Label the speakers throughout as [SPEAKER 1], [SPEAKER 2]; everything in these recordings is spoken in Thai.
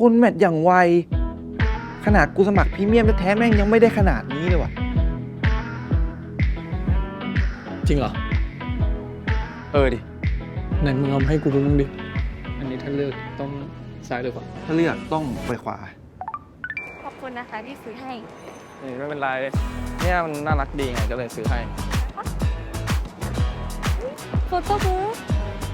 [SPEAKER 1] คนแมทอย่างไวขนาดกูสมัครพรีเมียมแท้ๆแม่งยังไม่ได้ขนาดนี้เลยว่ะ
[SPEAKER 2] จริงเหรอ
[SPEAKER 1] ดิ
[SPEAKER 2] ไหนมึงเอามาให้กูดูมึงดิอันนี้ถ้าเลือกต้องซ้ายหรือขวา
[SPEAKER 1] ถ้าเลือกต้องไปขวา
[SPEAKER 3] ขอบคุณนะคะที่ซื้อให้
[SPEAKER 2] นี่ไม่เป็นไรเนี่ยมันน่ารักดีไงก็เลยซื้อให้
[SPEAKER 3] โฟโต้บุ๊ก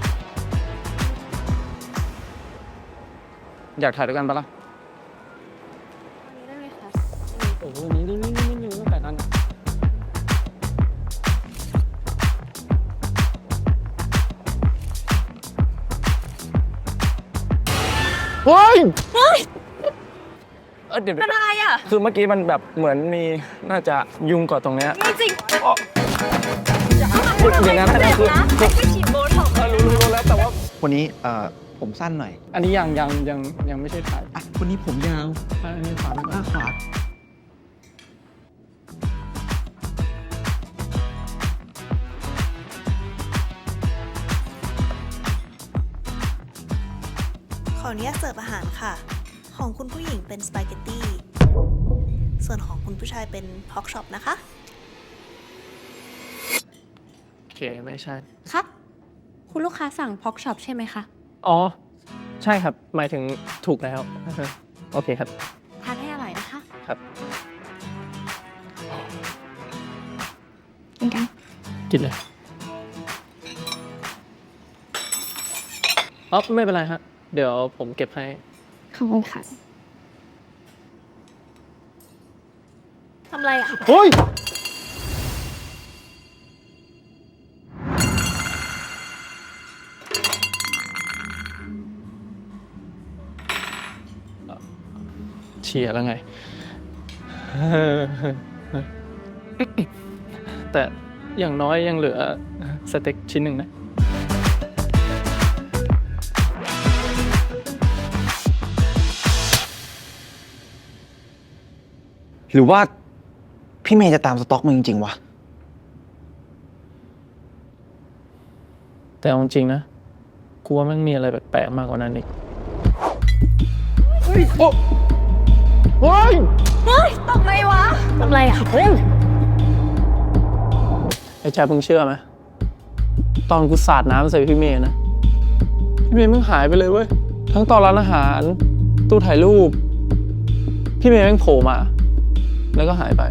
[SPEAKER 2] อยากถ่ายด้วยกันปะล่ะ
[SPEAKER 3] วันนี้ได้ไหมคะ
[SPEAKER 2] โอ้โหนี่ตั้งแต่นั้นเฮ้ยเดี๋ยว
[SPEAKER 3] เป็นอะไรอ่ะ
[SPEAKER 2] คือเมื่อกี้มันแบบเหมือนมีน่าจะยุงกอดตรงเนี้ย
[SPEAKER 3] จริง
[SPEAKER 2] อย่างนั้นนะคือ
[SPEAKER 3] ไม่ฉีดโบท็อกซ์
[SPEAKER 2] รู้แล้วแต่ว่า
[SPEAKER 1] วันนี้ผมสั้นหน่อย
[SPEAKER 2] อันนี้ยังไม่ใช่ถ่าย
[SPEAKER 1] วันนี้ผมยาว
[SPEAKER 2] อันนี้ขวาไป
[SPEAKER 1] ขวา
[SPEAKER 4] ขออนุญาตเสิร์ฟอาหารค่ะของคุณผู้หญิงเป็นสปาเกตตี้ส่วนของคุณผู้ชายเป็นพอกช็อปนะคะ
[SPEAKER 2] โอเคไม่ใช่
[SPEAKER 3] ครับคุณลูกค้าสั่งพ็อกช็อปใช่ไหมคะ
[SPEAKER 2] อ๋อใช่ครับหมายถึงถูกแล้วโอเคครับ
[SPEAKER 3] ทานให้อร่อยนะคะ
[SPEAKER 2] ครับ
[SPEAKER 3] กินกัน
[SPEAKER 2] กินเลยอ๋อไม่เป็นไรฮะเดี๋ยวผมเก็บให้
[SPEAKER 3] ขอบคุณค่ะทำไรอ่ะ
[SPEAKER 2] โอ้ยเชียร์แล้วไงแต่อย่างน้อยยังเหลือสเต็กชิ้นหนึ่งนะ
[SPEAKER 1] หรือว่าพี่เมย์จะตามสต็อกมึงจริงๆวะ
[SPEAKER 2] แต่จริงนะกูว่ามันมีอะไรแปลกๆมากกว่านั้นอีกโอ้ย
[SPEAKER 3] ทำไรวะทำไรอ่ะ
[SPEAKER 2] ไอ้แจ๊บมึงเชื่อไหมตอนกูสาดน้ำใส่พี่เมย์นะพี่เมย์มึงหายไปเลยเว้ยทั้งตอนร้านอาหารตู้ถ่ายรูปพี่เมย์แม่งโผล่มาแล้วก็หายไป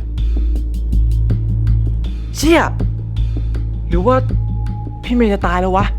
[SPEAKER 1] เชี่ยหรือว่าพี่เมย์จะตายแล้ววะ